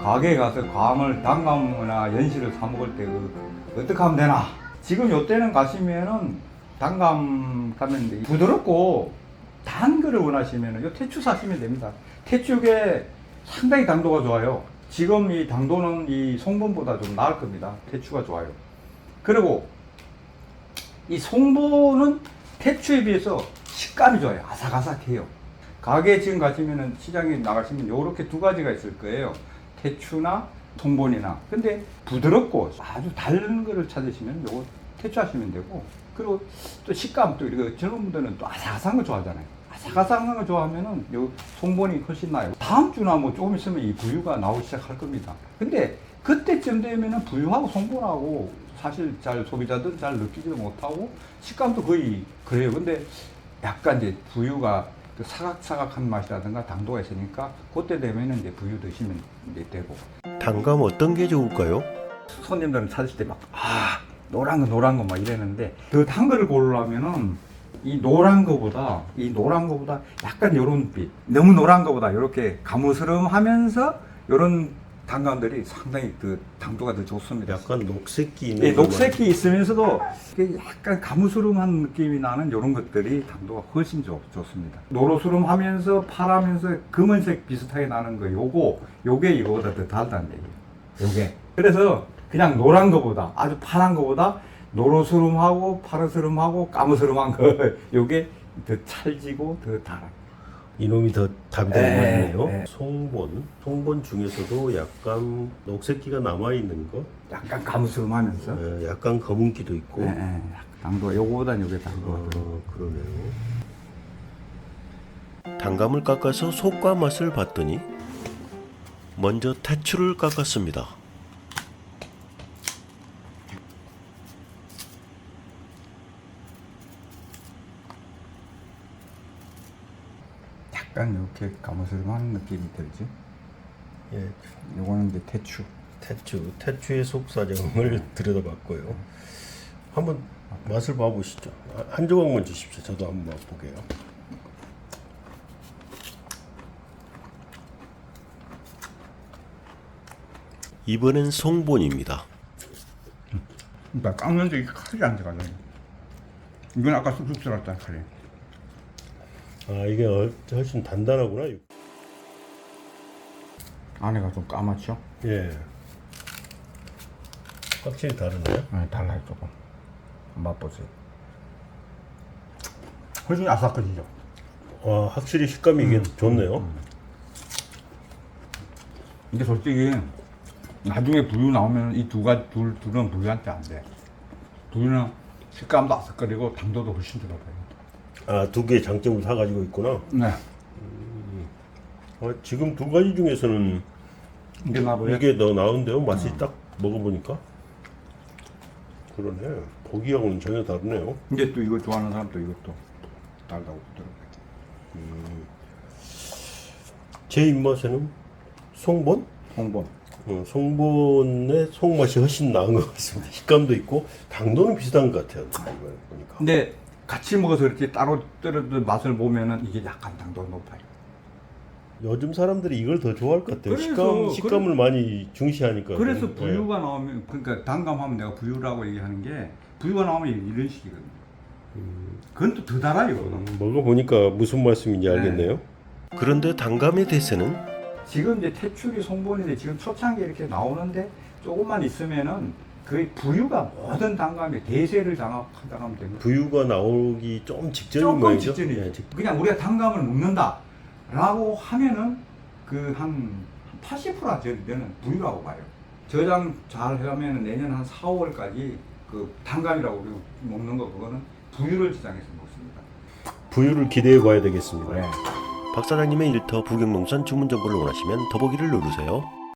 가게에 가서 광을 단감이나 연실을 사 먹을 때 어떻게 하면 되나? 지금 요때는 가시면은 단감 가면 부드럽고 단 거를 원하시면은 요 태추 사시면 됩니다. 태추에 상당히 당도가 좋아요. 지금 이 당도는 이 송본보다 좀 나을 겁니다. 태추가 좋아요. 그리고 이 송본은 태추에 비해서 식감이 좋아요. 아삭아삭해요. 가게 지금 가시면은 시장에 나가시면 요렇게 두 가지가 있을 거예요. 태추나 송본이나. 근데 부드럽고 아주 다른 거를 찾으시면 요거 태추 하시면 되고, 그리고 또 식감, 또 이거 젊은 분들은 또 아삭아삭한 거 좋아하잖아요. 아삭아삭한 거 좋아하면은 요 송본이 훨씬 나아요. 다음 주나 뭐 조금 있으면 이 부유가 나오기 시작할 겁니다. 근데 그때쯤 되면은 부유하고 송본하고 사실 잘 소비자들은 잘 느끼지도 못하고 식감도 거의 그래요. 근데 약간 이제 부유가 그 사각사각한 맛이라든가 당도가 있으니까 그때 되면은 이제 부유 드시면 이제 되고. 단감 어떤 게 좋을까요? 손님들은 찾으실 때 막 노란 거 막 이랬는데, 더 단 거를 고르려면은 이 노란 거보다 약간 요런 빛, 너무 노란 거보다 이렇게 가무스름하면서 요런 단감들이 상당히 그 당도가 더 좋습니다. 약간 녹색기 있는 예, 녹색이 있으면서도 약간 가무스름한 느낌이 나는 이런 것들이 당도가 훨씬 좋습니다. 노로스름하면서 파라면서 검은색 비슷하게 나는 거 요게 이거보다 더 달다는 얘기예요. 요게. 그래서 그냥 노란 거보다, 아주 파란 거보다 노로스름하고 파르스름하고 까무스름한 거 요게 더 찰지고 더 달아요. 이놈이 더 답이 되는 것 같네요. 네. 송본 중에서도 약간 녹색기가 남아있는 거, 약간 가무스름하면서 약간 검은기도 있고. 당도 요거보다는 요게 당도가 그러네요. 단감을 깎아서 속과 맛을 봤더니 먼저 태추를 깎았습니다. 약간 이렇게 가무스름한 느낌이 들지. 예, 요거는 이제 태추. 태추의 속 사정을 들여다봤고요. 한번 맛을 봐보시죠. 한 조각만 주십시오. 저도 한번 맛보게요. 이번엔 송본입니다. 그러니까 깎는데 이게 칼이 안 들어가요. 이건 아까 쑥쑥 들어갔다 칼이. 아, 이게 훨씬 단단하구나. 안에가 좀 까맣죠? 예, 확실히 다르네요. 네, 달라요 조금. 맛보세요. 훨씬 아삭거리죠? 와, 확실히 식감이 이게 좋네요. 근데 솔직히 나중에 부유 나오면 이 둘은 부유한테 안 돼. 부유는 식감도 아삭거리고 당도도 훨씬 들어가요. 아, 두 개의 장점을 다 가지고 있구나. 네. 지금 두 가지 중에서는 이게 더 나은데요? 맛이 딱 먹어보니까. 그러네. 보기하고는 전혀 다르네요. 근데 또 이거 좋아하는 사람도 이것도 달다고 그러더라고요. 제 입맛에는 송본? 홍본. 송본의 속맛이 훨씬 나은 것 같습니다. 식감도 있고 당도는 비슷한 것 같아요. 이걸 보니까. 근데 같이 먹어서 이렇게 따로 떨어진 맛을 보면은 이게 약간 당도가 높아요. 요즘 사람들이 이걸 더 좋아할 것 같아요. 그래서, 식감을 많이 중시하니까. 그래서 부유가 나오면, 그러니까 단감하면 내가 부유라고 얘기하는 게, 부유가 나오면 이런 식이거든요. 그건 또 더 달아요. 먹어보니까 무슨 말씀인지 알겠네요. 그런데 단감의 대세는 지금 이제 태출이 송본인데 지금 초창기에 이렇게 나오는데 조금만 있으면은 그 부유가 모든 단감의 대세를 장악한다고 하면 됩니다. 부유가 나오기 좀 직전인 조금 모양이죠? 직전이죠. 예, 그냥 우리가 단감을 먹는다라고 하면은 그 한 80%는 부유라고 봐요. 저장 잘 하면은 내년 한 4, 5월까지 그 단감이라고 우리 먹는 거 그거는 부유를 지장해서 먹습니다. 부유를 기대해 봐야 되겠습니다. 네. 박 사장님의 일터 부경농산 주문 정보를 원하시면 더보기를 누르세요.